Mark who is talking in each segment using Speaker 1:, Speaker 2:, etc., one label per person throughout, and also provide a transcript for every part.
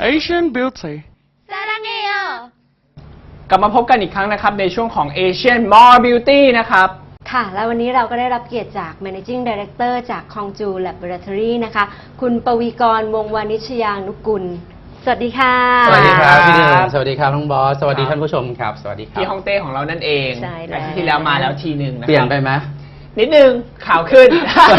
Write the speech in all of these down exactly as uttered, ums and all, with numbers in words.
Speaker 1: Asian Beauty
Speaker 2: ซารังเอโย
Speaker 3: กลับมาพบกันอีกครั้งนะครับในช่วงของ Asian More Beauty นะครับ
Speaker 2: ค่ะแล้ววันนี้เราก็ได้รับเกียรติจาก Managing Director จาก Kongju Laboratory นะคะคุณปวีกร วงศ์วานิชยานุกุลสวัสดีค่ะ
Speaker 4: สวัสดีครับพี่หนึ่งสวัสดีครับน้องบอสสวัสดีท่านผู้ชมครับสวัสดีครับ
Speaker 3: พี่ฮ่องเต้ของเรานั่นเอง
Speaker 2: ใช่แล้ว
Speaker 3: อาทิตย์ที่แล้วมาแล้วทีหนึ่งนะครับ
Speaker 4: เปลี่ยนไปไหม
Speaker 3: นิดนึงข่าวขึ้น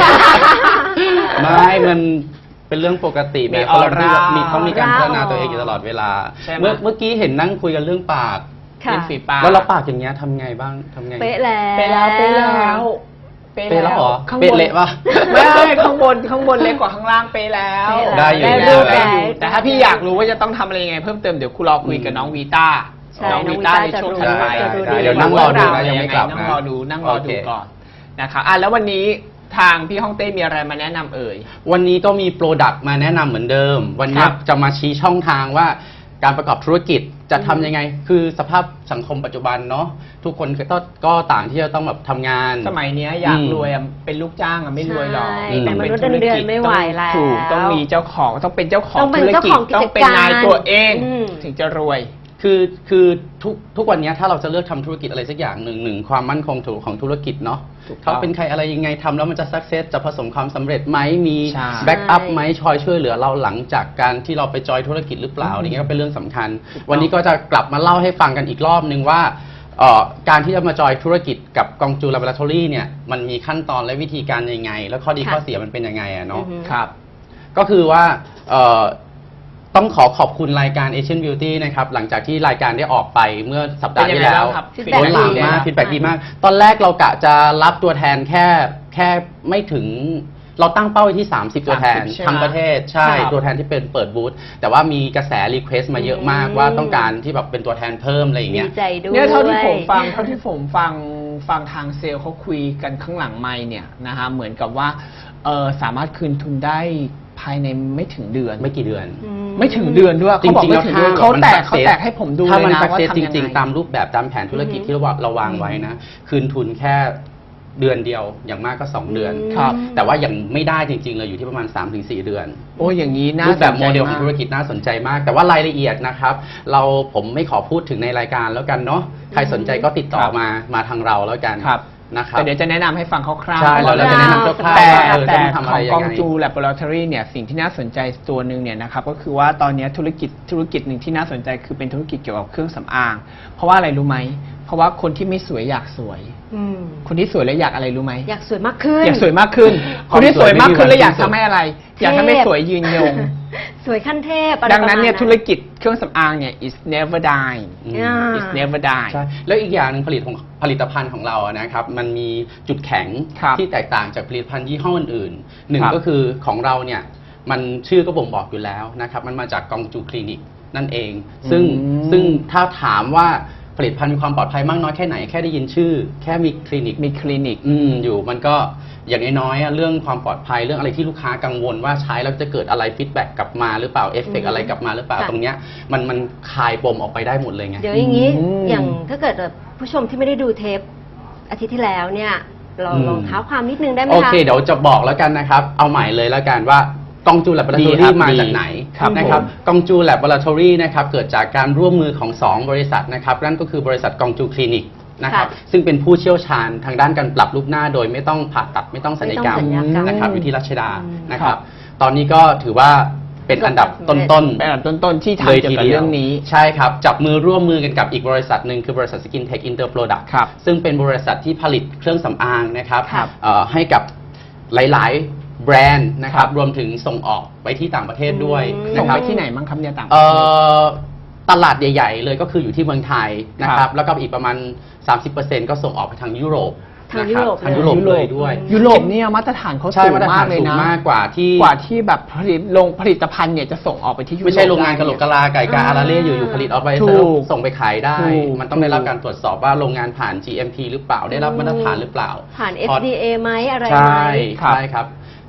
Speaker 4: ไม่มันเป็นเรื่องปกติ
Speaker 3: มี
Speaker 4: แม้
Speaker 3: ออ
Speaker 4: เรา
Speaker 3: ร่า
Speaker 4: มีต้องมีการพัฒนา
Speaker 2: ออร่า
Speaker 4: ตัวเองอยู่ตลอดเวลา
Speaker 3: ใช่ไหม
Speaker 4: เมื่อเมื่อกี้เห็นนั่งคุยกันเรื่องปาก
Speaker 2: ค่ะ
Speaker 3: เป็นฝีปาก
Speaker 4: แล้วเราปากอย่างเงี้ยทำไงบ้างทำไง
Speaker 2: เป๊ะแล้ว
Speaker 3: เป๊ะแล้วเป๊ะแล้ว
Speaker 4: เป๊ะแล้วเหรอ
Speaker 3: ข้างบ
Speaker 4: เป๊ะ
Speaker 3: น
Speaker 4: เละปะ
Speaker 3: ไม่ข้างบนข้างบนเล็กกว่าข้างล่างเป๊ะแล้ว
Speaker 4: ได้อยู่
Speaker 2: ได้
Speaker 4: ได้
Speaker 2: รูป
Speaker 4: ได้
Speaker 2: ได้
Speaker 3: แต่ถ้าพี่อยากรู้ว่าจะต้องทำอะไรยังไงเพิ่มเติมเดี๋ยวครูรอคุยกับน้องวีต้า
Speaker 2: ใช่น้องวี
Speaker 3: ต้า
Speaker 2: ต้า
Speaker 3: ในช่วง
Speaker 2: จะรู้
Speaker 3: ถัดไป
Speaker 2: จะรู้
Speaker 4: ได้เดี๋ยวนั่งรอดูนะยังไม่กลับนะ
Speaker 3: นั่งรอดูนั่งรอดู
Speaker 4: โอเค
Speaker 3: ก่อนนะครับอ่ะแล้ววันนี้ทางพี่ฮ่องเต้มีอะไรมาแนะนำเอ่ย
Speaker 4: วันนี้ก็มีโปรดักต์มาแนะนำเหมือนเดิม วันนี้
Speaker 3: ครับ
Speaker 4: จะมาชี้ช่องทางว่าการประกอบธุรกิจจะทำยังไง คือสภาพสังคมปัจจุบันเนาะทุกคนก็ก็ต่างที่จะต้องแบบทำงาน
Speaker 3: สมัยเนี้ยอยาก
Speaker 4: อืม
Speaker 3: รวยอะเป็นลูกจ้างอะไม่รวยหรอก
Speaker 2: ใช่
Speaker 3: ต้อง
Speaker 2: เป็นมนุษย์เงินเดือนไม่ไหวแล้ว
Speaker 3: ถูกต้องมีเจ้าของต้องเป็นเจ้าของ
Speaker 2: ต้องเป็น
Speaker 3: ธุร
Speaker 2: เจ้า
Speaker 3: กิจ
Speaker 2: ของกิจการ
Speaker 3: ต้องเป็นนายตัวเอง
Speaker 2: อืม
Speaker 3: ถึงจะรวย
Speaker 4: คือคือทุกทุกวันนี้ถ้าเราจะเลือกทำธุรกิจอะไรสักอย่างหนึ่งหนึ่งความมั่นคงของธุรกิจเนาะ
Speaker 3: ถูกต้อง
Speaker 4: เขาเป็นใครอะไรยังไงทำแล้วมันจะสักเซสจะผสมความสำเร็จไหมมี
Speaker 3: ใช่
Speaker 4: แบ็กอัพไหมชอยช่วยเหลือเราหลังจากการที่เราไปจอยธุรกิจหรือเปล่าอย่างเงี้ยก็เป็นเรื่องสำคัญ วันนี้ก็จะกลับมาเล่าให้ฟังกันอีกรอบนึงว่าเอ่อการที่จะมาจอยธุรกิจกับกองจู Laboratory เนี่ยมันมีขั้นตอนและวิธีการยังไง แล้วข้อดี
Speaker 2: ค่ะ
Speaker 4: ข้อเสียมันเป็นยังไงอะเนาะ
Speaker 2: อือฮึ
Speaker 3: ครับ
Speaker 4: ก็คือว่าเอ่อต้องขอขอบคุณรายการ Asian Beauty นะครับ หลังจากที่รายการได้ออกไปเมื่อสัปดาห์ที่แล้ว
Speaker 3: เป็นยังไงบ้างครับ
Speaker 2: feedback
Speaker 4: โอ้หลังมาก
Speaker 2: ดี
Speaker 4: ฟีดแบ็ดีมาก ตอนแรกเรากะจะรับตัวแทนแค่แค่ไม่ถึง เราตั้งเป้าไว้ที่ สามสิบ ตัวแทน
Speaker 3: สามสิบใช่ไหม
Speaker 4: ทั้งประเทศ ใช่
Speaker 3: ครับ
Speaker 4: ตัวแทนที่เป็นเปิดบูธแต่ว่ามีกระแสรีเควสต์มาเยอะมาก
Speaker 2: อืม
Speaker 4: ว่าต้องการที่แบบเป็นตัวแทนเพิ่มอะไรอย่าง
Speaker 2: ดี
Speaker 4: เงี้ย
Speaker 2: ใจด้วย
Speaker 3: เนี่ยเท่าที่ผมฟังเท่าที่ผมฟังฟังทางเซลล์เขาคุยกันข้างหลังไมค์เนี่ยนะฮะเหมือนกับว่าเออสามารถคืนทุนได้ภายในไม่ถึงเดือน
Speaker 4: ไม่กี่เดือน
Speaker 2: อืม
Speaker 3: ไม่ถึงเดือนด้วย
Speaker 4: จ
Speaker 3: เขาบอก
Speaker 4: ริงๆ
Speaker 3: ไม่ถึงเดือน
Speaker 4: แล้ว
Speaker 3: เขาแตก
Speaker 4: มัน
Speaker 3: เขา
Speaker 4: success
Speaker 3: แตกให้ผมดู
Speaker 4: ถ้า
Speaker 3: เลย
Speaker 4: มัน
Speaker 3: นะ
Speaker 4: สัก
Speaker 3: ว่า
Speaker 4: เซส
Speaker 3: ทำ
Speaker 4: จ
Speaker 3: ยัง
Speaker 4: ริง
Speaker 3: ไง
Speaker 4: ๆ ตามรูปแบบตามแผนธุรกิจ
Speaker 2: อือฮึ
Speaker 4: ที่เราเราวางไว้นะ คืนทุนแค่เดือนเดียวอย่างมากก็สองเดือน
Speaker 3: ครับ
Speaker 4: แต่ว่ายังไม่ได้จริงๆเลยอยู่ที่ประมาณ สามถึงสี่ เดือน
Speaker 3: โอ้อย่างนี้นะ
Speaker 4: รูปแบบโมเดลของธุรกิจน่าสนใจมาก แต่ว่ารายละเอียดนะครับ เราผมไม่ขอพูดถึงในรายการแล้วกันเนาะใครสนใจก็ติดต่อ
Speaker 3: ครับ
Speaker 4: มามาทางเราแล้วกัน
Speaker 3: ครับ
Speaker 4: นะครับ
Speaker 3: แต่เดี๋ยวจะแนะนำให้ฟังคร่าวๆ
Speaker 4: ใช่เราเราจะแนะนำคร่าวๆ
Speaker 3: แต่
Speaker 4: ว่าเออ
Speaker 3: แต่
Speaker 4: ต้องทำ
Speaker 3: ข
Speaker 4: อะไร
Speaker 3: อง
Speaker 4: ยั
Speaker 3: กอง
Speaker 4: งไง
Speaker 3: จู Laboratory เนี่ยสิ่งที่น่าสนใจตัวหนึ่งเนี่ยนะครับก็คือว่าตอนนี้ธุรกิจธุรกิจหนึ่งที่น่าสนใจคือเป็นธุรกิจเกี่ยวกับเครื่องสำอาง เพราะว่าอะไรรู้ไหมเพราะว่าคนที่ไม่สวยอยากสวย
Speaker 2: อืม
Speaker 3: คนที่สวยแล้วอยากอะไรรู้ไหม
Speaker 2: อยากสวยมากขึ้น
Speaker 3: อยากสวยมากขึ้น
Speaker 4: ค
Speaker 3: คน
Speaker 4: วาม
Speaker 3: ที่สวยมากขึ้น
Speaker 4: สวยไม่มี
Speaker 3: แล้วอยาก
Speaker 4: วันสิ้นสุด
Speaker 3: ทำให้อะไร อยากทำให้สวยยืนยง
Speaker 2: สวยขั้นเทพอะไร
Speaker 3: ดังนั้นเนี่ย
Speaker 2: ประมาณ
Speaker 3: ธุรกิจเครื่องสำอางเนี่ย is never die
Speaker 4: อืม
Speaker 2: อ่า
Speaker 3: is never die
Speaker 4: ใช่แล้วอีกอย่างหนึ่งผลิตของผลิตภัณฑ์ของเราอะนะครับมันมีจุดแข็ง
Speaker 3: ครับ
Speaker 4: ที่แตกต่างจากผลิตภัณฑ์ยี่ห้ออื่นๆหนึ่ง
Speaker 3: ครับ
Speaker 4: ก็คือของเราเนี่ยมันชื่อก็บ่งบอกอยู่แล้วนะครับมันมาจากกองจูคลินิกนั่นเอง ซึ่ง
Speaker 3: อืม
Speaker 4: ซึ่งถ้าถามว่าผลิตภัณฑ์มีความปลอดภัยมากน้อยแค่ไหนแค่ได้ยินชื่อ แค่มีคลินิก
Speaker 3: มีคลินิก
Speaker 4: อืมอยู่มันก็อย่างน้อยๆอะเรื่องความปลอดภัยเรื่องอะไรที่ลูกค้ากังวลว่าใช้แล้วจะเกิดอะไรฟีดแบ็กกลับมาหรือเปล่าเอฟเฟก
Speaker 2: อืม
Speaker 4: อะไรกลับมาหรือเปล่า
Speaker 2: ค่ะ
Speaker 4: ตรงเนี้ยมันมันคลายปมออกไปได้หมดเลยไง
Speaker 2: เดี๋ยวอย่างนี้
Speaker 3: อืม
Speaker 2: อย่างถ้าเกิดแบบผู้ชมที่ไม่ได้ดูเทปอาทิตย์ที่แล้วเนี่ย เรา
Speaker 4: อืม
Speaker 2: ลองเท้าความนิดนึงได้ไหม
Speaker 4: โอ
Speaker 2: คะ
Speaker 4: เค เดี๋ยวจะบอกแล้วกันนะครับ เอาใหม่เลยแล้วกันว่ากองจู
Speaker 3: ดี
Speaker 4: Laboratory
Speaker 3: ครับ
Speaker 4: มา
Speaker 3: ดี
Speaker 4: จากไหน
Speaker 3: ครับ
Speaker 4: นะครับ
Speaker 3: ผม
Speaker 4: กองจู Laboratory นะครับเกิดจากการร่วมมือของสองบริษัทนะครับนั่นก็คือบริษัทกองจูคลินิกนะครับ
Speaker 2: ค่ะ
Speaker 4: ซึ่งเป็นผู้เชี่ยวชาญทางด้านการปรับรูปหน้าโดยไม่ต้องผ่าตัดไม่ต้องศัลยกรรม
Speaker 2: ไม่ต้องศัลยกรรม
Speaker 4: นะครับอยู่ที่รัชดา
Speaker 2: อืม
Speaker 4: นะครับ ตอนนี้ก็ถือว่าเป็นอันดับต้นๆ
Speaker 3: เป็นอันดับต้นๆที่
Speaker 4: เลย
Speaker 3: ทำเกี่ยว
Speaker 4: ที
Speaker 3: กับ
Speaker 4: เดียว
Speaker 3: เรื่องนี้
Speaker 4: ใช่ครับ จับมือร่วมมือกันกับอีกบริษัทหนึ่งคือบริษัท Skin Tech Inter Product
Speaker 3: ครับ
Speaker 4: ซึ่งเป็นบริษัทที่ผลิตเครื่องสำอางนะครับ
Speaker 2: ครับ
Speaker 4: เอ่อให้กับหลายๆแบรนด์นะครั
Speaker 3: ครับ บ
Speaker 4: รวมถึงส่งออกไปที่ต่างประเทศด้วย
Speaker 2: อืม
Speaker 3: ส่
Speaker 4: นะ
Speaker 3: ง
Speaker 4: ครับ
Speaker 3: ไปที่ไหนมั้งครับเนี่ยต่างประ
Speaker 4: เอ่
Speaker 3: เทศ
Speaker 4: อตลาดใหญ่ ๆ เลยก็คืออยู่ที่เมืองไทยนะค
Speaker 3: ครั
Speaker 4: รับบ แล้วก็อีกประมาณ สามสิบเปอร์เซ็นต์ ก็ส่งออกไปทางยุโรป
Speaker 2: ทาง
Speaker 4: นะคบ
Speaker 2: ยุโรป
Speaker 4: ทางยุโรป
Speaker 3: เลย
Speaker 4: เลยด้วย
Speaker 3: ยุโรปเนี่ยมาตรฐานเขา
Speaker 4: ใช่
Speaker 3: สูง
Speaker 4: มาตร
Speaker 3: มา
Speaker 4: ฐาก น
Speaker 3: เลย
Speaker 4: สูง
Speaker 3: นะ
Speaker 4: มากกว่าที่
Speaker 3: กว่าที่แบบผลิตลงผลิตภัณฑ์เนี่ยจะส่งออกไปที่ยุโรป
Speaker 4: ไม่ใช่โรงงานกะโหลกกะลาไก่กา
Speaker 2: อ่า
Speaker 4: อาราเล่อยู่ๆผลิตออกไป
Speaker 3: ถูก
Speaker 4: แล้วส่งไปขายได้
Speaker 3: ถูก
Speaker 4: มันต้องได้รับการตรวจสอบว่าโรงงานผ่าน จี เอ็ม พี หรือเปล่าได้รับมาตรฐานหรือเปล่า
Speaker 2: ผ่าน
Speaker 4: พอ
Speaker 2: เอฟ ดี เอ ไหมอะไรไหม
Speaker 4: ใช่
Speaker 3: ครับ
Speaker 4: ใช่ครับ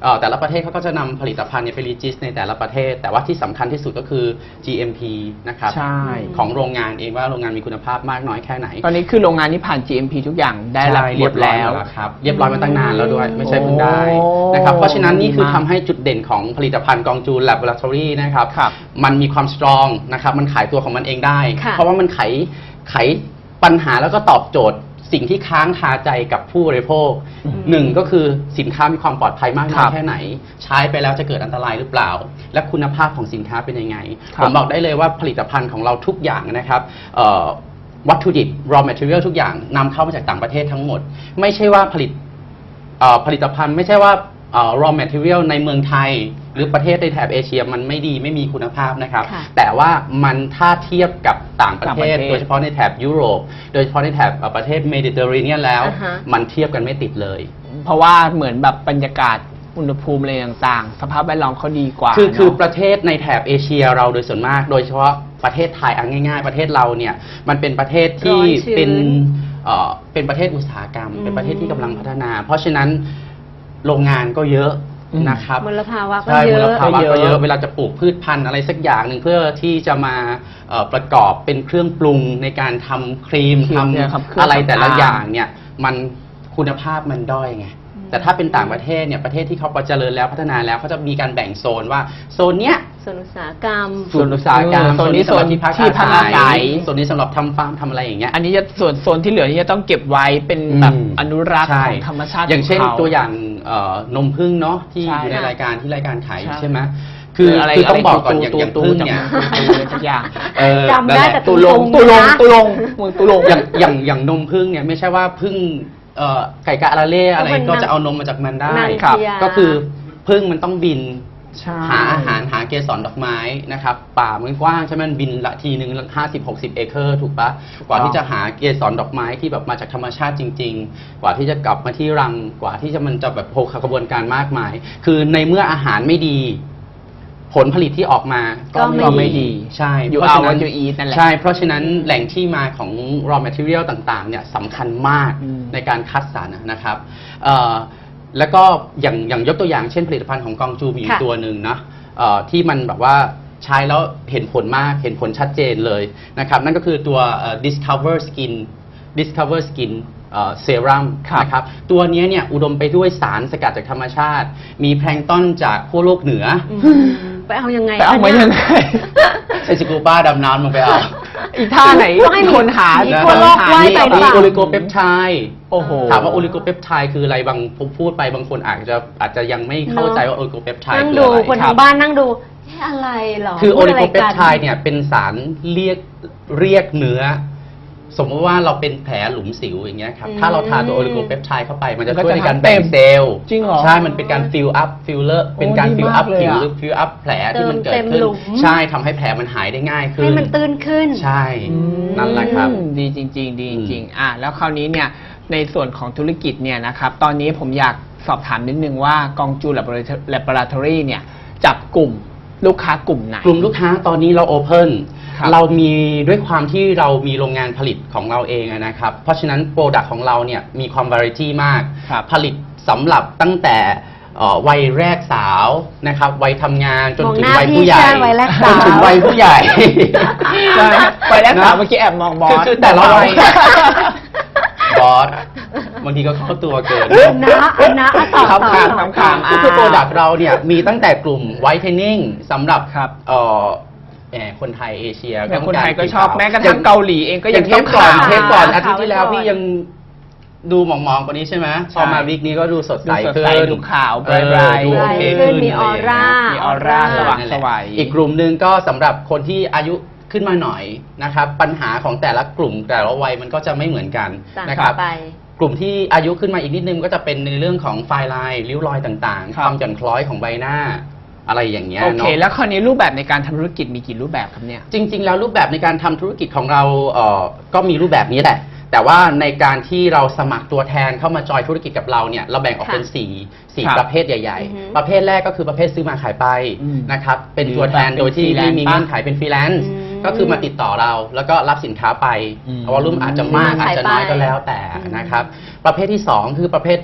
Speaker 4: เอ่อแต่ละประเทศเขาก็จะนำผลิตภัณฑ์เนี่ยไปรีจิสในแต่ละประเทศ แต่ว่าที่สำคัญที่สุดก็คือ จี เอ็ม พี นะครับ
Speaker 3: ใช่
Speaker 4: ของโรงงานเองว่าโรงงานมีคุณภาพมากน้อยแค่ไหน
Speaker 3: ตอนนี้คือโรงงานนี้ผ่าน จี เอ็ม พี ทุกอย่างได้รับ
Speaker 4: ใช่
Speaker 3: หมดแล้ว
Speaker 4: เรียบร้อยหมดครับเรียบร้อยมาตั้งนานแล้วด้วยไม่ใช่เพิ่งได้
Speaker 3: โอ้
Speaker 4: นะครับเพราะฉะนั้นนี่คือ
Speaker 3: ดีมาก
Speaker 4: ทำให้จุดเด่นของผลิตภัณฑ์กองจูน Laboratory นะครับ
Speaker 3: ครับ
Speaker 4: มันมีความสตรองนะครับมันขายตัวของมันเองได้
Speaker 2: ค่ะ
Speaker 4: เพราะว่ามันไขไขปัญหาแล้วก็ตอบโจทย์สิ่งที่ค้างคาใจกับผู้บริโภคหนึ่งก็คือสินค้ามีความปลอดภัยมากน้อยแค่ไหน ใช้ไปแล้วจะเกิดอันตรายหรือเปล่า และคุณภาพของสินค้าเป็นยังไง
Speaker 3: ครับ
Speaker 4: ผมบอกได้เลยว่าผลิตภัณฑ์ของเราทุกอย่างนะครับเอ่อวัตถุดิบ raw material ทุกอย่างนำเข้ามาจากต่างประเทศทั้งหมด ไม่ใช่ว่าผลิตเอ่อผลิตภัณฑ์ไม่ใช่ว่าเอ่อ raw material ในเมืองไทย หรือประเทศในแถบเอเชียมันไม่ดีไม่มีคุณภาพนะครับ
Speaker 2: ค่ะ
Speaker 4: แต่ว่ามันถ้าเทียบกับต่างประเทศ
Speaker 3: ต่างประเทศ
Speaker 4: โดยเฉพาะในแถบยุโรป โดยเฉพาะในแถบเอ่อประเทศเมดิเตอร์เรเนียนแล้ว
Speaker 2: อ่าฮะ
Speaker 4: มันเทียบกันไม่ติดเลย
Speaker 3: เพราะว่าเหมือนแบบบรรยากาศอุณหภูมิอะไรต่างๆ สภาพแวดล้อมเขาดีกว่า
Speaker 4: คือคือ
Speaker 3: เนอะ
Speaker 4: ประเทศในแถบเอเชียเราโดยส่วนมาก โดยเฉพาะประเทศไทยเอาง่ายๆ ประเทศเราเนี่ยมันเป็นประเทศที่
Speaker 2: ร้อนชื้น
Speaker 4: เป็นเอ่อเป็นประเทศอุตสาหกรรม
Speaker 2: อืม
Speaker 4: เป็นประเทศที่กำลังพัฒนา เพราะฉะนั้นโรงงานก็เยอะ
Speaker 3: อืม
Speaker 4: นะครับ
Speaker 2: มลภาวะก็
Speaker 4: ใช่
Speaker 2: เย
Speaker 4: มล
Speaker 2: อะ
Speaker 4: ภาวะ
Speaker 3: ก็
Speaker 4: ก็
Speaker 3: เย
Speaker 4: เย
Speaker 3: อะ
Speaker 4: อะเวลาจะปลูกพืชพันธุ์อะไรสักอย่างหนึ่งเพื่อที่จะมาเอ่อประกอบเป็นเครื่องปรุงในการทำครีม
Speaker 3: ครี
Speaker 4: ท
Speaker 3: มเนี่ยครับเครื่
Speaker 4: ำ
Speaker 3: อง
Speaker 4: อะไรแต่ละ
Speaker 3: สำอาง
Speaker 4: อย่างเนี่ยมันคุณภาพมันด้อยไงแต่ถ้าเป็นต่างประเทศเนี่ยประเทศที่เขาเจริญแล้วพัฒนาแล้วเขาจะมีการแบ่งโซนว่าโซนเนี้ย
Speaker 2: ส่วนอุตสาหกรรม
Speaker 4: ส่วนอุตสาหกรรม
Speaker 3: โซนนี้
Speaker 4: สำหรับที่พัก
Speaker 3: ที่พักอาศัย
Speaker 4: ส่วนนี้สำหรับทำฟาร์มทำอะไรอย่างเงี้ย
Speaker 3: อันนี้จะส่วนโซนที่เหลือที่จะต้องเก็บไว้เป็นแบบ
Speaker 4: อืม
Speaker 3: อนุรักษ์
Speaker 4: ใช่
Speaker 3: ของธรรมชาติ
Speaker 4: อย่างเช่น
Speaker 3: ขข
Speaker 4: ตัวอย่างเอ่อนมผึ้งเนาะที่
Speaker 3: ใช่
Speaker 4: อยู่ใน
Speaker 2: ค่ะ
Speaker 4: รายการที่รายการขาย
Speaker 3: ใช่
Speaker 4: ใช่ไหมคือ
Speaker 3: อะไร
Speaker 4: คือต้อง
Speaker 3: อะไร
Speaker 4: บอกก่อน
Speaker 3: ตู
Speaker 4: อย่าง
Speaker 3: ตู
Speaker 4: อย่าง
Speaker 3: ตู
Speaker 4: ผึ้ง
Speaker 3: จำ
Speaker 4: เนี่ย
Speaker 3: ตูอะไรสักอย่าง
Speaker 4: เออ
Speaker 2: จำได้
Speaker 4: นั่นหละ
Speaker 2: แต่
Speaker 3: ตุลง
Speaker 2: ตุ
Speaker 3: ตุ
Speaker 2: ล
Speaker 3: ล
Speaker 2: ง
Speaker 3: ง
Speaker 2: นะ
Speaker 3: ตุลงมึงตุลง
Speaker 4: อย่างอย่างอย่างนมผึ้งเนี่ยไม่ใช่ว่าผึ้งเอ่อไก่กะอาราเล่อะไร
Speaker 2: ก็เป็น
Speaker 4: ก็จะเอานมมาจากมันได้
Speaker 2: นาง
Speaker 3: ครับ
Speaker 2: พญา
Speaker 4: ก็คือผึ้งมันต้องบิน
Speaker 3: ใช่
Speaker 4: หาอาหารหาเกสรดอกไม้นะครับป่ามันกว้างใช่ไหมมันบินละทีหนึ่งห้าสิบหกสิบเอเคอร์ถูกปะกว่าที่จะหาเกสรดอกไม้ที่แบบมาจากธรรมชาติจริง ๆ กว่าที่จะกลับมาที่รังกว่าที่จะมันจะแบบโผกระบวนการมากมาย คือในเมื่ออาหารไม่ดี ผลผลิตที่ออกมา
Speaker 2: ก็ไม่
Speaker 3: ก็ไม่ดี
Speaker 4: ใช่
Speaker 3: อยู่
Speaker 4: เพราะ
Speaker 3: เอา
Speaker 4: ฉะนั้น
Speaker 3: วันอยู่อีนั่นแหละ
Speaker 4: ใช่ เพราะฉะนั้นแหล่งที่มาของ raw material ต่างๆเนี่ยสำคัญมาก
Speaker 3: อืม
Speaker 4: ในการคัดสรรนะครับเอ่อแล้วก็อย่างอย่างยกตัวอย่างเช่นผลิตภัณฑ์ของกองจูมีอยู่
Speaker 2: ค่ะ
Speaker 4: ตัวหนึ่งนะเอ่อที่มันแบบว่าใช้แล้วเห็นผลมากเห็นผลชัดเจนเลยนะครับนั่นก็คือตัวเอ่อ discover skin discover skin เซรั่ม
Speaker 3: ครับ
Speaker 4: นะครับตัวเนี้ยเนี่ยอุดมไปด้วยสารสกัดจากธรรมชาติ มีแพลงก์ต้นจากขั้วโลกเหนือ
Speaker 2: อืมไปเอายังไง
Speaker 3: ไปเอามายังไง
Speaker 4: ใช้สกูบ้าดำน้ำลงไปเอา
Speaker 3: อีท่าไหน
Speaker 2: ต้องให้มี
Speaker 3: คนหา
Speaker 2: มี
Speaker 3: นะ
Speaker 2: ทั่วโลก
Speaker 3: หา
Speaker 2: ว่ายไป
Speaker 3: นี่
Speaker 2: หรือเปล่า
Speaker 4: โอลิโกเปปไทด์
Speaker 3: โอ้โห
Speaker 4: ถามว่าโอลิโกเปปไทด์คืออะไรบางผมพูดไปบางคนอาจจะอาจจะยังไม่เข้าใจว่าโอลิโกเปปไทด์
Speaker 2: นั่ง
Speaker 4: คือ
Speaker 2: ดู
Speaker 4: อะไร
Speaker 2: คน
Speaker 3: ครั
Speaker 2: ทาง
Speaker 3: บ
Speaker 2: บ้านนั่งดูเอ๊ะอะไรหรอ
Speaker 4: คือโอ
Speaker 2: พูด
Speaker 4: ลิ
Speaker 2: อะไร
Speaker 4: โกเปป
Speaker 2: กัน
Speaker 4: ไทด์เนี่ยเป็นสารเรียกเรียกเนื้อ สมมติว่าเราเป็นแผลหลุมสิวอย่างเงี้ยครับ
Speaker 2: อืม
Speaker 4: ถ้าเราทาตัวโอลิโกเปปไทด์เข้าไปมันจะ
Speaker 3: มันก็
Speaker 4: ช่วยในการ
Speaker 3: จะ
Speaker 4: แบ่ง
Speaker 3: เต็ม
Speaker 4: เซลล์
Speaker 3: จริงเหรอ
Speaker 4: ใช่มันเป็นการฟิลอัพฟิลเลอร์เป็นการ
Speaker 3: โอ้ดี
Speaker 4: ฟิล
Speaker 3: มา
Speaker 4: อั
Speaker 3: ก
Speaker 4: พ
Speaker 3: เลย
Speaker 4: ผิว
Speaker 3: อะ
Speaker 4: หรือฟิลอัพแผลที่มันเกิด
Speaker 2: เติม
Speaker 4: ขึ้น
Speaker 2: เต็มหลุม
Speaker 4: ใช่ทำให้แผลมันหายได้ง่ายขึ้น
Speaker 2: ให้มันตื้นขึ้น
Speaker 4: ใช่ นั่นแหละครับ
Speaker 3: อืมดีจริง ๆ ดีจริงๆอ่ะแล้วคราวนี้เนี่ยในส่วนของธุรกิจเนี่ยนะครับตอนนี้ผมอยากสอบถามนิดนึงว่ากองจู Laboratory เนี่ยจับกลุ่มลูกค้ากลุ่มไหน
Speaker 4: กลุ่มลูกค้าตอนนี้เราโอเพน
Speaker 3: ครับ
Speaker 4: เรามีด้วยความที่เรามีโรงงานผลิตของเราเองอะนะครับ เพราะฉะนั้นโปรดักต์ของเราเนี่ยมีความวาไรตี้มาก
Speaker 3: ครับ
Speaker 4: ผลิตสำหรับตั้งแต่เอ่อวัยแรกสาวนะครับวัยทำงานจนถึง
Speaker 2: มองหน้า
Speaker 4: วัยผู้ใหญ่
Speaker 2: พี่ใช่วัยแรกสาว
Speaker 4: จนถึงวัยผู้ใหญ่
Speaker 3: ใช่ไปแรกสาว
Speaker 4: นะ
Speaker 3: เมื่อกี้แอบมองบอ
Speaker 4: คือ
Speaker 3: ส
Speaker 4: คือแต่ละวัย บอสบางทีก็เข้าตัวเกิน
Speaker 2: อันนะอันนะอ่ะต่อ
Speaker 3: ครับ
Speaker 2: ต่อ
Speaker 3: ครับ
Speaker 2: ต่อ
Speaker 3: ครับ
Speaker 4: ก็คือโปรดักต์เราเนี่ยมีตั้งแต่กลุ่มไวท์เทนนิ่งสำหรับ
Speaker 3: ครับ
Speaker 4: เอ่อแหมคนไทยเอเชีย
Speaker 3: แต่คน
Speaker 4: ต้งาร
Speaker 3: ไทยก็ชอบ
Speaker 4: ผิวขาว
Speaker 3: แม้กระทั่งเกาหลีเองก็
Speaker 4: อ
Speaker 3: ยั
Speaker 4: ย่าง งเท
Speaker 3: ต้อ
Speaker 4: ป
Speaker 3: ง
Speaker 4: ก่อน
Speaker 3: ขาว
Speaker 4: เทปก่อน
Speaker 2: ขาว
Speaker 4: อาทิตย์ที่แล้ว
Speaker 2: ไว้ก่อน
Speaker 4: พี่ยังดูหมองๆกว่านี้ใช่ไหมพอมาวีคนี้ก็ดูสดใส
Speaker 3: ดูสด
Speaker 4: ขึ้
Speaker 3: ใส
Speaker 4: น
Speaker 3: ดูขาว
Speaker 4: เออ
Speaker 3: ไบรท์ๆ
Speaker 4: ดูโอเค
Speaker 2: ขึ้
Speaker 4: ขึ้
Speaker 2: น
Speaker 4: น
Speaker 2: มีออร่า
Speaker 3: มีออร่าสว่าง
Speaker 4: นั่น
Speaker 3: ส
Speaker 4: แหละ
Speaker 3: วัย
Speaker 4: อีกกลุ่มหนึ่งก็สำหรับคนที่อายุขึ้นมาหน่อยนะครับปัญหาของแต่ละกลุ่มแต่ละวัยมันก็จะไม่เหมือนกัน
Speaker 2: ต่าง
Speaker 4: นะครับ
Speaker 2: ไป
Speaker 4: กลุ่มที่อายุขึ้นมาอีกนิดนึงก็จะเป็นในเรื่องของไฟลายริ้วรอยต่างๆ
Speaker 3: ครับ
Speaker 4: ความหย่อนคล้อยของใบหน้าอะไรอย่างเงี้ย
Speaker 3: โอเค
Speaker 4: เนาะ
Speaker 3: แล้วคราวนี้รูปแบบในการทำธุรกิจมีกี่รูปแบบครับเนี่ย
Speaker 4: จริง ๆ แล้วรูปแบบในการทำธุรกิจของเราเอ่อก็มีรูปแบบนี้แหละ แต่ว่าในการที่เราสมัครตัวแทนเข้ามาจอยธุรกิจกับเราเนี่ยเราแบ่งออกเป็น
Speaker 2: ค่ะ
Speaker 4: สี่สี่
Speaker 3: ครับ
Speaker 4: ประเภทใหญ่
Speaker 2: อือฮึ
Speaker 4: ๆ ประเภทแรกก็คือประเภทซื้อมาขายไป
Speaker 3: อืม
Speaker 4: นะครับเป็น
Speaker 3: หรือ
Speaker 4: ตัวแทน
Speaker 3: แบบเป็น
Speaker 4: โดยที่ไม่มี
Speaker 3: freelance
Speaker 4: เงื่อนไขเป็นฟรีแลนซ์
Speaker 2: อืม
Speaker 4: ก็คือมาติดต่อเราแล้วก็รับสินค้าไป
Speaker 3: อืม
Speaker 4: วอลลุ่มอาจจะมาก
Speaker 2: ซื้อมา
Speaker 4: อาจจะน้อย
Speaker 2: ขายไป
Speaker 4: ก็แล้วแต่
Speaker 2: อืม
Speaker 4: นะครับประเภทที่สองคือประเภทที่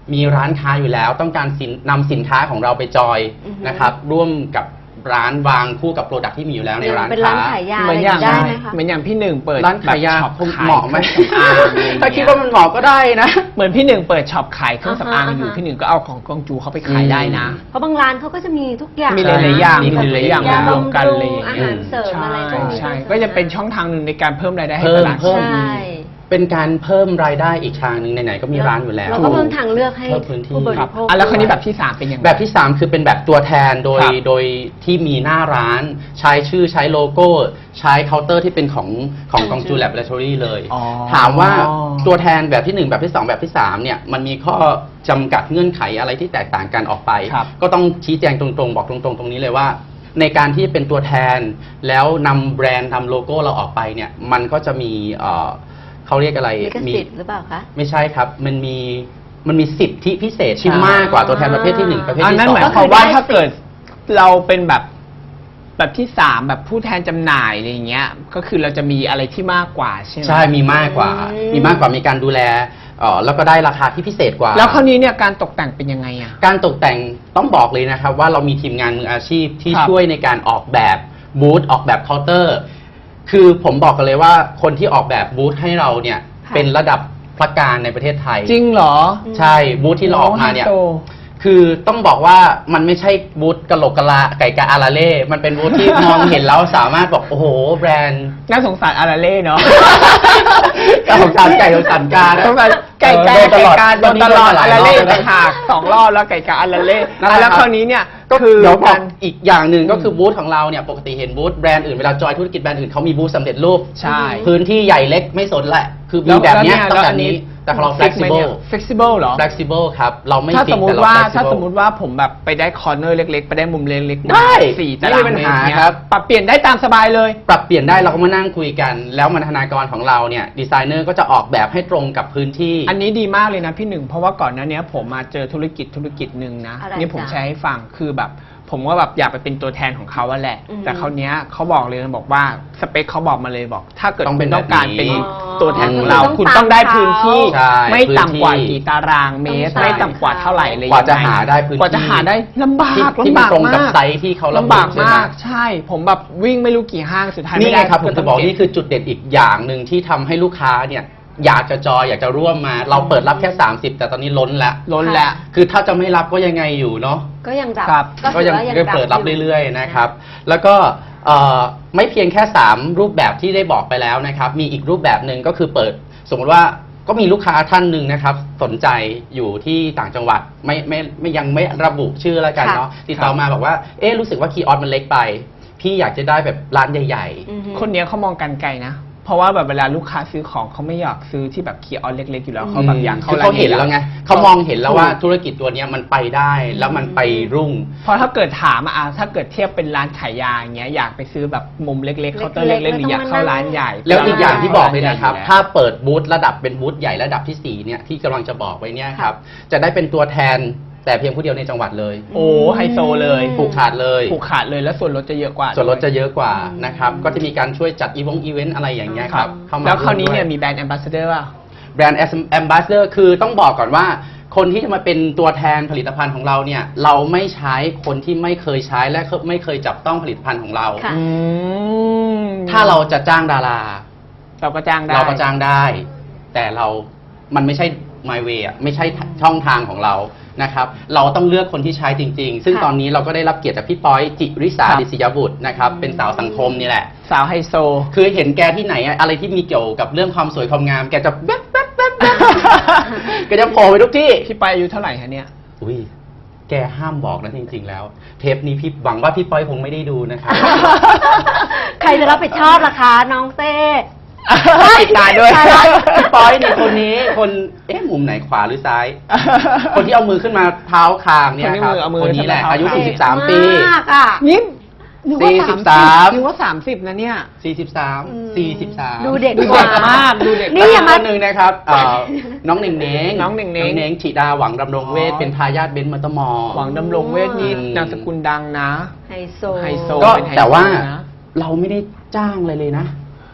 Speaker 4: มีร้านค้าอยู่แล้วต้องการสินนำสินค้าของเราไปจอย
Speaker 2: อือฮึ
Speaker 4: นะครับร่วมกับร้านวางคู่กับโปรดักที่มีอยู่แล้วในร้าน
Speaker 2: เป็นร้า
Speaker 4: ค้า
Speaker 2: นขายยา
Speaker 3: เห
Speaker 2: อะ
Speaker 3: มื
Speaker 2: ไร
Speaker 3: อน
Speaker 2: อ
Speaker 3: อย่าง
Speaker 2: ย่างนี้ได้ไหมคะ
Speaker 3: เหมือนอย่างพี่หนึ่งเปิด
Speaker 4: ร้านขายยา
Speaker 3: แบบช็อป
Speaker 4: คง
Speaker 3: ขาย
Speaker 4: เหมาะไหม
Speaker 3: เครื่องสำอางอะไรอย่างเงี้ย
Speaker 4: ถ้าคิดว่ามันเหมาะก็ได้นะ
Speaker 3: เหมือนพี่หนึ่งเปิดช็อปขายเครื่องสำอาง
Speaker 2: อ่าฮะ
Speaker 3: อยู่พี่หนึ่งก็เอาของกองจูเข้าไปขายได้นะ
Speaker 2: เพราะบางร้านเขาก็จะมีทุกอย่าง
Speaker 3: มีหลายๆอย่าง
Speaker 2: นะ
Speaker 3: มีหลายๆอย่าง
Speaker 2: ยาร
Speaker 3: วมกันเลย
Speaker 2: อาหารเสริมอะไรพวกนี้
Speaker 3: ใช่ก็จะเป็นช่องทางหนึ่งในการเพิ่มรายได้ให้
Speaker 4: เพิ่
Speaker 3: ต
Speaker 4: ม
Speaker 3: ลาด
Speaker 4: เพิ่ม
Speaker 2: ใช่
Speaker 4: เป็นการเพิ่มรายได้อีกทางหนึ่งไหนๆก็มีร้านอยู่แล้ว
Speaker 2: เราก็เพิ่มทางเลือกให้
Speaker 4: เพิ่มพื้นที่
Speaker 2: ผู้บ
Speaker 3: ครั
Speaker 2: ริ
Speaker 3: บ
Speaker 2: โภค
Speaker 3: อ่ะแล้วคราวนี้แบบที่สามเป็นยังไง
Speaker 4: แบบที่สามคือเป็นแบบตัวแทนโดย
Speaker 3: ครับ
Speaker 4: โดยที่มีหน้าร้าน ใช้ชื่อใช้โลโก้ ใช้เคาน์เตอร์ที่เป็นของของกองจูแลบเลทอรี่เลย
Speaker 3: อ๋อ
Speaker 4: ถามว่าตัวแทนแบบที่หนึ่งแบบที่สองแบบที่สามเนี่ยมันมีข้อจำกัดเงื่อนไขอะไรที่แตกต่างกันออกไป
Speaker 3: ครับ
Speaker 4: ก็ต้องชี้แจงตรงๆ บอกตรงๆ ตรงนี้เลยว่า ในการที่เป็นตัวแทนแล้วนำแบรนด์นำโลโก้เราออกไปเนี่ยมันก็จะมีเอ่อเขาเรียกอะไร
Speaker 2: ลิขสิทธิ์หรือเปล่าคะ
Speaker 4: ไม่ใช่ครับ มันมีมันมีสิทธิพิเศษที่
Speaker 3: ใช่
Speaker 4: มากกว่าตัวแทนประเภทที่หนึ่งประเภท
Speaker 3: อัน
Speaker 4: ที่
Speaker 3: นั้น
Speaker 4: สอ
Speaker 3: ห
Speaker 4: ง
Speaker 3: มายความว่าถ้าเกิดเราเป็นแบบแบบที่สามแบบผู้แทนจำหน่ายอะไรอย่างเงี้ย ก็คือเราจะมีอะไรที่มากกว่าใช่ไหม
Speaker 4: ใช่มีมากกว่า
Speaker 2: อืม
Speaker 4: มีมากกว่ามีการดูแลเอ่อแล้วก็ได้ราคาที่พิเศษกว่า
Speaker 3: แล้วคราวนี้เนี่ยการตกแต่งเป็นยังไงอ่ะ
Speaker 4: การตกแต่งต้องบอกเลยนะครับว่าเรามีทีมงานมืออาชีพที่
Speaker 3: ครับ
Speaker 4: ช่วยในการออกแบบบูธออกแบบเคาน์เตอร์ คือผมบอกกันเลยว่าคนที่ออกแบบบูธให้เราเนี่ย
Speaker 2: ค่ะ
Speaker 4: เป็นระดับพระการในประเทศไทย
Speaker 3: จริงเหรอ
Speaker 4: ใช่บูธที่เราออกมาเนี่ย
Speaker 3: โไฮโซ
Speaker 4: คือต้องบอกว่ามันไม่ใช่บูธกะโหลกกะลาไก่กะอาราเล่ มันเป็นบูธที่ มองเห็นแล้วสามารถบอกโอ้โหแบรนด์
Speaker 3: น่าสงสารอาราเล่เนาะ
Speaker 4: กะของสารไก่ของสารกา
Speaker 3: สงสารไก่กา
Speaker 4: เออ
Speaker 3: ไก่กาโดนตลอด
Speaker 4: ห
Speaker 3: อา
Speaker 4: ลาย
Speaker 3: ราร
Speaker 4: อบ
Speaker 3: เล่
Speaker 4: แล้ว
Speaker 3: ต่า
Speaker 4: นะ
Speaker 3: งหากสองรอบแล้วไก่กาอาราเล่
Speaker 4: นั่นแหละ
Speaker 3: อ่ะแล้ว
Speaker 4: ครับ
Speaker 3: คราวนี้เนี่ย
Speaker 4: ก็
Speaker 3: คือ
Speaker 4: เดี๋ยวบ
Speaker 3: กา
Speaker 4: อก
Speaker 3: ร
Speaker 4: อีกอย่างหนึ่งก็คือบูธของเราเนี่ยปกติเห็นบูธแบรนด์อื่นเวลาจอยธุรกิจแบรนด์อื่นเขามีบูธสำเร็จรูป
Speaker 3: ใช่
Speaker 4: พื้นที่ใหญ่เล็กไม่สนแหละ คือมี
Speaker 3: แล้ว
Speaker 4: แบบเนี้ย
Speaker 3: แล้ว
Speaker 4: ต้องแบบนี้ แต่ของเรา flexible
Speaker 3: flexible เหรอ
Speaker 4: flexible ครับเราไม่
Speaker 3: ถ้า
Speaker 4: ฟิ
Speaker 3: ส
Speaker 4: ก
Speaker 3: มม
Speaker 4: แต่
Speaker 3: ติ
Speaker 4: เรา
Speaker 3: ว่า
Speaker 4: flexible
Speaker 3: ถ้าสมมติว่าผมแบบไปได้คอร์เนอร์เล็กๆ ไปได้มุมเล็กๆ
Speaker 4: ได้
Speaker 3: สี่
Speaker 4: ไม่
Speaker 3: ตาราง
Speaker 4: มีปัญ
Speaker 3: เมต
Speaker 4: หาร
Speaker 3: เนี่ย
Speaker 4: ครับ
Speaker 3: ปรับเปลี่ยนได้ตามสบายเลย
Speaker 4: ปรับเปลี่ยนได้เราก็มานั่งคุยกัน แล้วบรรณาการของเราเนี่ยดีไซเนอร์ก็จะออกแบบให้ตรงกับพื้นที่
Speaker 3: อันนี้ดีมากเลยนะพี่หนึ่งเพราะว่าก่อนหน้านี้ผมมาเจอธุรกิจธุรกิจหนึ่งนะ
Speaker 2: อะไร
Speaker 3: นี่ผม
Speaker 2: จ๊ะ
Speaker 3: แชร์ให้ฟังคือแบบ ผมว่าแบบอยากไปเป็นตัวแทนของเขาอะแหละ
Speaker 2: อือฮึ
Speaker 3: แต่คราวเนี้ยเขาบอกเลยบอกว่าสเปคเขาบอกมาเลยบอก ถ้าเกิด
Speaker 4: ต้อง
Speaker 3: คุ
Speaker 4: เป็
Speaker 3: ณ
Speaker 4: น
Speaker 3: ต้องการ
Speaker 4: แบบนี้
Speaker 3: เป็น
Speaker 2: อ๋อ
Speaker 3: ตัวแทนของเรา
Speaker 2: คือต้อง
Speaker 3: คุณต้องได้พื้นที่
Speaker 4: ใช่
Speaker 3: ไม่ต่ำกว่า
Speaker 4: พื้นที่
Speaker 3: กี่ตารางเมตร
Speaker 2: ต้อง
Speaker 3: ไม่ต่ำกว่าเท่าไหร่เลย
Speaker 4: กว่าจะ
Speaker 3: ยังไง
Speaker 4: หาได้พื้นที่
Speaker 3: กว่าจะหาได้ลำบาก
Speaker 4: ที่ที่
Speaker 3: ลำ
Speaker 4: มัน
Speaker 3: บาก
Speaker 4: ตรงกับ
Speaker 3: มาก
Speaker 4: ไซส์ที่เขาระบุ
Speaker 3: ลำบาก
Speaker 4: ใช่ไหม
Speaker 3: มากใช่ ผมแบบวิ่งไม่รู้กี่ห้างสุดท้าย
Speaker 4: นี่
Speaker 3: ไม่
Speaker 4: ไง
Speaker 3: ได้
Speaker 4: ครับผมจะบอก
Speaker 3: เก็
Speaker 4: นี่คือจุดเด่นอีกอย่างหนึ่งที่ทำให้ลูกค้าเนี่ยอยากจะจอยอยากจะร่วมมา เราเปิดรับแค่ สามสิบ แต่ตอนนี้ล้นแล้ว
Speaker 3: ล้นแล้ว
Speaker 4: คือถ้าจะไม่รับก็ยังไงอยู่เนาะ
Speaker 2: ก็ยังรับ
Speaker 3: ครับ
Speaker 2: ก็
Speaker 4: ก็
Speaker 2: ถือ
Speaker 4: ยัง
Speaker 2: ว่ายัง
Speaker 4: เปิดรับ
Speaker 2: ยู่
Speaker 4: เรื่อยๆนะครับ แล้วก็เอ่อไม่เพียงแค่ สาม รูปแบบที่ได้บอกไปแล้วนะครับ มีอีกรูปแบบหนึ่งก็คือเปิด สมมติว่าก็มีลูกค้าท่านหนึ่งนะครับ สนใจอยู่ที่ต่างจังหวัดไม่ไม่ไม่ยังไม่ระบุชื่อแล้วกันเนาะติดต่อมาบอกว่าเอ๊ะรู้สึกว่าคีย์ออสมันเล็กไป พี่อยากจะได้แบบร้านใหญ่
Speaker 2: อือฮึ
Speaker 3: คนเนี้ยเขามองกันไกลนะ เพราะว่าแบบเวลาลูกค้าซื้อของเขาไม่อยากซื้อที่แบบคีย์ออนเล็กๆอยู่แล้ว
Speaker 4: ๆ
Speaker 3: เขาแบบอยาก
Speaker 4: คื
Speaker 3: เข้า
Speaker 4: อ
Speaker 3: ร้าน
Speaker 4: เขาเห็น
Speaker 3: ใญ่ๆ
Speaker 4: แล้วไงเขามองเห็นแล้วว่าธุรกิจตัวเนี้ยมันไปได้แล้วมันไปรุ่ง
Speaker 3: เพราะถ้าเกิดถามอะอ่ะถ้าเกิดเทียบเป็นร้านขายยาอย่างเงี้ยอยากไปซื้อแบบมุมเล็กๆเคาน์เตอร์
Speaker 2: เล็
Speaker 3: เล็
Speaker 2: ก
Speaker 3: ก
Speaker 2: ๆ
Speaker 3: ๆหรืออยากเข้าร้านใหญ่
Speaker 4: แล้วอีกอย่างที่บอกเลยนะครับ
Speaker 3: ร้
Speaker 4: ถ้าเปิดบูธระดับเป็นบูธใหญ่ระดับที่สี่เนี่ยที่กำลังจะบอกไว้เนี่ยครับ จะได้เป็นตัวแทนแต่เพียงผู้เดียวในจังหวัดเลย
Speaker 3: โอ้ไฮโซเลย
Speaker 2: อืม
Speaker 4: ผูกขาดเลย
Speaker 3: ผูกขาดเลยแล้วส่วนลดจะเยอะกว่า
Speaker 4: ส่วนลดจะเยอะกว่า
Speaker 2: อืม
Speaker 4: นะครับ ก็จะมีการช่วยจัดอีวงอีเวนต์อะไรอย่างเงี้ยครับเข้ามา
Speaker 3: แล้วคราวนี้เนี่ย
Speaker 4: ร่วมด้
Speaker 3: มีแบรนด์แอมบาสเดอร์ป่ะ
Speaker 4: แบรนด์แอมบาสเดอร์คือต้องบอกก่อนว่า คนที่จะมาเป็นตัวแทนผลิตภัณฑ์ของเราเนี่ยเราไม่ใช้คนที่ไม่เคยใช้และไม่เคยจับต้องผลิตภัณฑ์ของเรา
Speaker 2: ค่ะ
Speaker 3: อืม
Speaker 4: ถ้าเราจะจ้างดารา
Speaker 3: เราก็จ้างได้
Speaker 4: เราก็จ้างได้ แต่เรา มันไม่ใช่ my way อ่ะ ไม่ใช่ช่องทางของเรา นะครับ เราต้องเลือกคนที่ใช้จริง ๆ ซึ่ง
Speaker 2: ค่ะ
Speaker 4: ตอนนี้เราก็ได้รับเกียรติจากพี่ป้อยจิริสา
Speaker 3: ครับ
Speaker 4: ดิศยบุตรนะครับ เป็นสาวสังคมนี่แหละ
Speaker 3: สาวไฮโซ
Speaker 4: คือเห็นแกที่ไหนอะอะไรที่มีเกี่ยวกับเรื่องความสวยความงาม แกจะแว๊บแว๊บแว๊บแว๊บ แกจะโผล่ไปทุกที่
Speaker 3: พี่ไปอายุเท่าไหร่คะเนี่ย
Speaker 4: อุ้ย แกห้ามบอกนะจริง ๆ แล้ว เทปนี้พี่หวังว่าพี่ป้อยคงไม่ได้ดูนะครับ
Speaker 2: ใครจะรับผิดชอบล่ะคะน้องเต้
Speaker 3: ติดตายด้วย
Speaker 2: ตายแล้ว
Speaker 4: พี่ป้อยนี่คนนี้คนเอ๊ะมุมไหนขวาหรือซ้าย คนที่เอามือขึ้นมาเท้าคางเนี่ยครับ
Speaker 3: คนที่มือเอามือ
Speaker 4: คนนี้แหละ
Speaker 3: ขึ้นมาเท้า
Speaker 4: อายุ
Speaker 3: คาง
Speaker 4: สี่สิบสาม ปี
Speaker 2: มากอ่ะ
Speaker 3: นี่นึกว่า
Speaker 4: สี่สิ
Speaker 3: สา
Speaker 4: บ
Speaker 3: ม
Speaker 4: สาม
Speaker 3: นึกว่าสามสิบนะเนี่ย
Speaker 4: สี่สิบสาม
Speaker 2: อืม
Speaker 4: สี่สิบสาม
Speaker 2: ดูเด็ก
Speaker 3: ดูเด็กมากดูเด็ก
Speaker 2: นี่
Speaker 4: นี่
Speaker 2: อย่า
Speaker 4: ค
Speaker 2: มา
Speaker 4: นหนึ่งนะครับเอ่อน้องเน่งเน่ง
Speaker 3: น้องเน่งเน่ง
Speaker 4: น้องเน่งฉีดาหวังดำรงเวท
Speaker 3: อ๋อ
Speaker 4: เป็นทายาทเบนซ์มอเตอร์มอลล์
Speaker 3: หวังดำรงเวทนี้
Speaker 4: อืม
Speaker 3: นามสกุลดังนะ
Speaker 2: ไฮโซ
Speaker 3: ไฮโซ
Speaker 4: ก็
Speaker 3: เป็นไฮโซ
Speaker 4: แต่ว่า
Speaker 3: นะ
Speaker 4: เราไม่ได้จ้างอะไรเลยนะ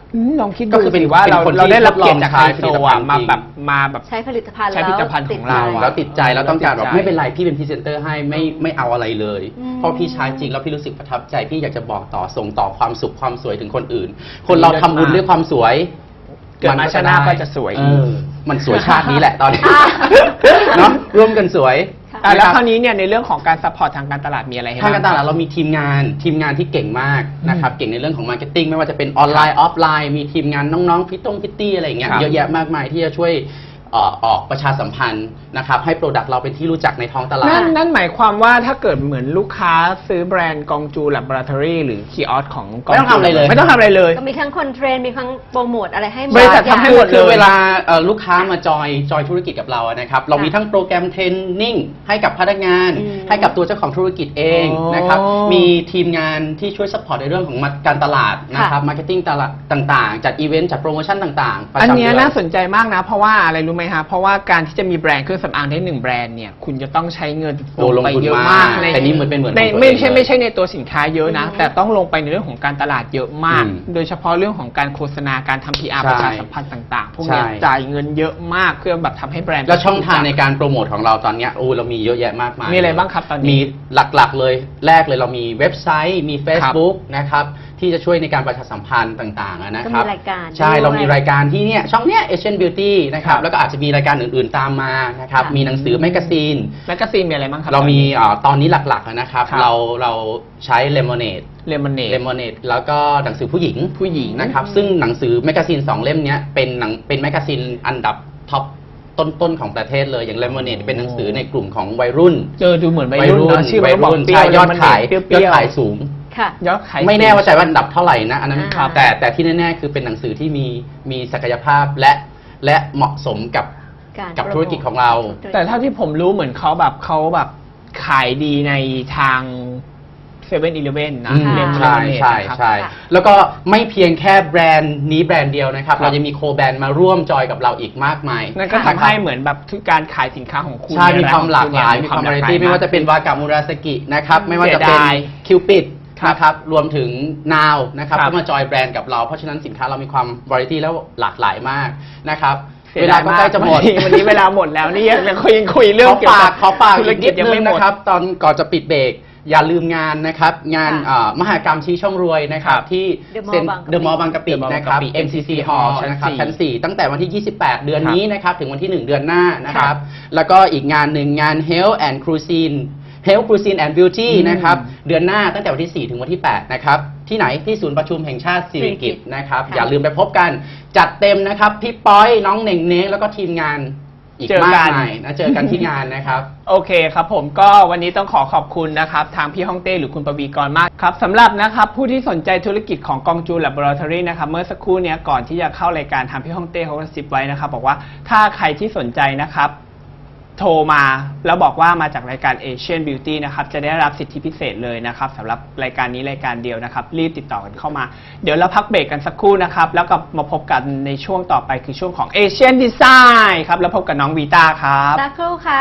Speaker 3: อืมลองคิด
Speaker 4: ก็
Speaker 3: ดู
Speaker 4: คือเป็น
Speaker 3: สิว่าเรา
Speaker 4: เป็นคนที่
Speaker 3: เราได้รับเกียรติจาก
Speaker 4: ทดลอง
Speaker 3: ไฮ
Speaker 4: ใช้
Speaker 3: โซ
Speaker 4: ผลิตภั
Speaker 3: อ่ะ
Speaker 4: ณฑ์
Speaker 3: มา
Speaker 4: จริง
Speaker 3: แบบมาแบบ
Speaker 2: ใช้ผลิตภัณฑ์
Speaker 3: ใช้ผลิตภัณฑ์
Speaker 2: แล้ว
Speaker 3: ของเรา
Speaker 2: ติดใจ
Speaker 4: แล้วติดใจแล้วต้องการแบบ
Speaker 3: ติดใจ
Speaker 4: ไม่เป็นไรพี่เป็นพรีเซนเตอร์ให้ไม่ไม่เอาอะไรเลย
Speaker 2: อืม
Speaker 4: เพราะพี่ใช้จริงแล้วพี่รู้สึกประทับใจพี่อยากจะบอกต่อส่งต่อความสุขความสวยถึงคนอื่น คนเราทำบุญด้วยความสวย
Speaker 3: เกิดมาชาติหน้าก็จะสวย
Speaker 4: เออมันสวยชาตินี้แหละตอนนี้เนาะร่วมกันสวย
Speaker 3: อ่ะแล้ว
Speaker 4: นะ
Speaker 3: ค
Speaker 4: ค
Speaker 3: รา
Speaker 4: รับ
Speaker 3: วนี้เนี่ยในเรื่องของการซัพพอร์ตทางการตลาดมีอะไรให้
Speaker 4: ทางการต
Speaker 3: บ้
Speaker 4: ลาดเรามีทีมงานทีมงานที่เก่งมากนะครับเก่งในเรื่องของมาร์เก็ตติ้งไม่ว่าจะเป็นออนไลน์ออฟไลน์มีทีมงานน้องๆพิตตงพิตตี้อะไรอย่างเงี้ย
Speaker 3: ครับ
Speaker 4: เยอะแยะมากมายที่จะช่วยเอ่อออกประชาสัมพันธ์นะครับให้โปรดักต์เราเป็นที่รู้จักในท้องตลา
Speaker 3: นั่
Speaker 4: ด
Speaker 3: นนั่นหมายความว่าถ้าเกิดเหมือนลูกค้าซื้อแบรนด์กองจูแลบอราทอรี่หรือคีออสของกอง
Speaker 4: ไม่ต้องทำอะไรเลย
Speaker 3: ไม่ต้องทำอะไรเลย
Speaker 2: ก็มีทั้งคนเทรน มีทั้งโปรโมทอะไรให้
Speaker 3: บริษัททำให้หมด
Speaker 4: คือ
Speaker 3: เลย
Speaker 4: เวลาเอ่อลูกค้ามาจอยจอยธุรกิจกับเราอะนะครับเรามีทั้งโปรแกรมเทรนนิ่งให้กับพนักงาน
Speaker 2: อืม
Speaker 4: ให้กับตัวเจ้าของธุรกิจเอง
Speaker 3: อ๋อ
Speaker 4: นะครับมีทีมงานที่ช่วยซัพพอร์ตในเรื่องของการตลาดนะครับมาร์เก็ตติ้งตลาดต่างๆ จัดอีเวนต์จัดโปรโมชั่นต่างๆประ
Speaker 3: อัน
Speaker 4: จำ
Speaker 3: เนี้ย
Speaker 4: เดื
Speaker 3: น่าสนใจมากนะ เพราะว่าอะไรรู้ไหมฮะเพราะว่าการที่จะมีแบรนด์เครื่องสำอางได้หนึ่งแบรนด์เนี่ยคุณจะต้องใช้เงิน
Speaker 4: โอ้ลง
Speaker 3: ไป
Speaker 4: ทุน
Speaker 3: เยอะ
Speaker 4: มาม
Speaker 3: าก กใน
Speaker 4: แต่นี่เหมือนเป็นเหมือน
Speaker 3: ใน
Speaker 4: ของตัว
Speaker 3: ไม่
Speaker 4: เอง
Speaker 3: ใช่
Speaker 4: เลย
Speaker 3: ไม่ใช่ในตัวสินค้าเยอะนะ
Speaker 2: อืม
Speaker 3: แต่ต้องลงไปในเรื่องของการตลาดเยอะมาก
Speaker 4: อืม
Speaker 3: โดยเฉพาะเรื่องของการโฆษณาการทำ พี อาร์
Speaker 4: ใช่
Speaker 3: ประชาสัมพันธ์ต่างๆ พวกเนี้ย
Speaker 4: ใช่
Speaker 3: จ่ายเงินเยอะมากเพื่อแบบทำให้แบรนด์
Speaker 4: แล้วช่องทางในการโปรโมทของเราตอนเนี้ยโอ้เรามีเยอะแยะมากมาย
Speaker 3: มีอะไรบ้างครับตอนนี้
Speaker 4: มีหลักๆเลยแรกเลยเรามีเว็บไซต์มี Facebook นะครับที่จะช่วยในการประชาสัมพันธ์ต่างๆอะนะครับ
Speaker 2: ก็มีรายการ
Speaker 4: ใช่
Speaker 2: ด้วย
Speaker 4: เรามีรายการที่เนี่ยช่องเนี้ย Asian Beauty นะครับแล้วก็อาจจะมีรายการอื่นๆตามมานะครับ
Speaker 2: ค่ะ
Speaker 4: มีหนังสือแมกกาซีน
Speaker 3: แมกกาซีนมีอะไรบ้างครับ
Speaker 4: เรามีอ่าตอนนี้หลักๆอะนะครับ
Speaker 3: ครับ
Speaker 4: เราเราใช้ Lemonade
Speaker 3: เลมอนเนด
Speaker 4: Lemonade แล้วก็หนังสือผู้หญิง
Speaker 3: ผู้หญิง
Speaker 4: นะครับซึ่งหนังสือแมกกาซีนสองเล่มเนี้ยเป็นหนังเป็นแมกกาซีนอันดับท็อปต้นๆของประเทศเลยอย่าง Lemonade เป็นหนังสือในกลุ่มของวัยรุ่น
Speaker 3: เจอดูเหมือนวัยรุ่นเนอะชื่อ
Speaker 4: วั
Speaker 3: วั
Speaker 4: ย
Speaker 3: ยรุ่
Speaker 4: รุ่
Speaker 3: น
Speaker 4: น
Speaker 3: เปรี้ยว
Speaker 4: ใช่ยอดขาย
Speaker 3: เปรี้
Speaker 4: ย
Speaker 3: ย
Speaker 4: อ
Speaker 3: ว
Speaker 4: ด
Speaker 3: ๆ
Speaker 4: ขายสูง
Speaker 2: ค่ะ
Speaker 3: ยอดขาย
Speaker 4: ไม่แน่ว่าใจว่าอันดับเท่าไหร่นะอันนั้น
Speaker 2: ครับ
Speaker 4: แต่แต่ที่แน่ๆคือเป็นหนังสือที่มีมีศักยภาพและและเหมาะสมกับ
Speaker 2: การ
Speaker 4: กับ
Speaker 2: โปรโมท
Speaker 4: ธุรกิจของเรา
Speaker 3: แต่เท่าที่ผมรู้เหมือนเขาแบบเขาแบบขายดีในทางเซเว่นอีเลฟเว่นนะ
Speaker 4: อืม
Speaker 3: เลมอน
Speaker 4: ใช่
Speaker 3: เนด
Speaker 4: ใช่
Speaker 3: นะครับ
Speaker 4: ใช่
Speaker 2: ค่ะ
Speaker 4: แล้วก็ไม่เพียงแค่แบรนด์นี้แบรนด์เดียวนะครับ
Speaker 3: ครับ
Speaker 4: เราจะมีโคแบรนด์มาร่วมจอยกับเราอีกมากมาย
Speaker 3: นั่นก็ทำให้เหมือนแบบทุกการขายสินค้าของคุณ
Speaker 4: ใช่
Speaker 3: ใน
Speaker 4: มี
Speaker 3: ร้น
Speaker 4: ความหลากหลาย
Speaker 3: ของณ
Speaker 4: มีความ
Speaker 3: ห
Speaker 4: วา
Speaker 3: ล
Speaker 4: ไร
Speaker 3: กห
Speaker 4: ตี้
Speaker 3: ล
Speaker 4: ไม่ว่าจะเป็นวากามูราสกินะครับไม่ว่าจะเป็น
Speaker 3: เสียดาย
Speaker 4: คิวปิด
Speaker 3: ครับ
Speaker 4: นะครับรวมถึงนาวนะครับ
Speaker 3: ครับ
Speaker 4: ก็มาจอยแบรนด์กับเราเพราะฉะนั้นสินค้าเรามีความวาไรตี้แล้วหลากหลายมากนะครับ
Speaker 3: สีย
Speaker 4: เว
Speaker 3: ด
Speaker 4: ลาย ก็ใกล้จะหมด
Speaker 3: วันนี้วันนี้เวลาหมดแล้วนี่ยังคุยยังคุยเรื่อง
Speaker 4: ขอ
Speaker 3: เกี่ยว
Speaker 4: ฝา
Speaker 3: กั
Speaker 4: ก
Speaker 3: บ
Speaker 4: ขอฝาก
Speaker 3: ธุร
Speaker 4: อีก
Speaker 3: กิ
Speaker 4: นิ
Speaker 3: จ
Speaker 4: ด
Speaker 3: ยัง
Speaker 4: นึ
Speaker 3: ไม่
Speaker 4: ง
Speaker 3: หมด
Speaker 4: นะครับตอนก่อนจะปิดเบรกอย่าลืมงานนะครับงาน
Speaker 2: ค่ะ
Speaker 4: เอ่อมหากรรมชี้ช่องรวยนะครับ
Speaker 3: ครับ
Speaker 4: ที่
Speaker 2: The Mall
Speaker 4: เซ็น
Speaker 2: บางกะปิ
Speaker 4: เดอะมอลล์บางกะปิ
Speaker 3: The Mall
Speaker 4: นะครับ
Speaker 3: บางกะปิ
Speaker 4: เอ็ม ซี ซี Hall
Speaker 3: ชั้น
Speaker 4: นะครับ
Speaker 3: สี่
Speaker 4: ชั้นสี่ตั้งแต่วันที่ ยี่สิบแปด เดือน
Speaker 3: ครับ
Speaker 4: นี้นะครับถึงวันที่ หนึ่ง เดือนหน้านะค
Speaker 3: ครั
Speaker 4: รับ
Speaker 3: บ
Speaker 4: แล้วก็อีกงานหนึ่งงาน Health and Cuisine Health Cuisine and Beauty
Speaker 3: อืม
Speaker 4: นะครับเดือนหน้าตั้งแต่วันที่ สี่ ถึงวันที่ แปด นะครับที่ไหนที่ศูนย์ประชุมแห่งชาติสิริกิติ์นะครับ
Speaker 2: ค่ะ
Speaker 4: อย่าลืมไปพบกันจัดเต็มนะครับพี่ป้อยน้องเหน่งเน้งแล้วก็ทีมงานอีก
Speaker 3: เจอ
Speaker 4: มาก
Speaker 3: กัน
Speaker 4: มายนะเจอกันที่งานนะครับ
Speaker 3: โอเคครับผมก็วันนี้ต้องขอขอบคุณนะครับทางพี่ฮ่องเต้หรือคุณปวีกรมากครับสำหรับนะครับผู้ที่สนใจธุรกิจของกองจูแลบอราทอรี่นะครับเมื่อสักครู่เนี้ยก่อนที่จะเข้ารายการทางพี่ฮ่องเต้เขากระซิบไว้นะครับบอกว่าถ้าใครที่สนใจนะครับโทรมาแล้วบอกว่ามาจากรายการ Asian Beauty นะครับจะได้รับสิทธิพิเศษเลยนะครับสำหรับรายการนี้รายการเดียวนะครับรีบติดต่อกันเข้ามาเดี๋ยวเราพักเบรกกันสักครู่นะครับแล้วก็มาพบกันในช่วงต่อไปคือช่วงของ Asian Design ครับแล้วพบกับน้องวีต้าครับ
Speaker 2: สักครู่ค่ะ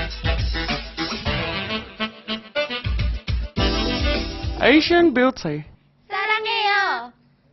Speaker 1: Asian Beauty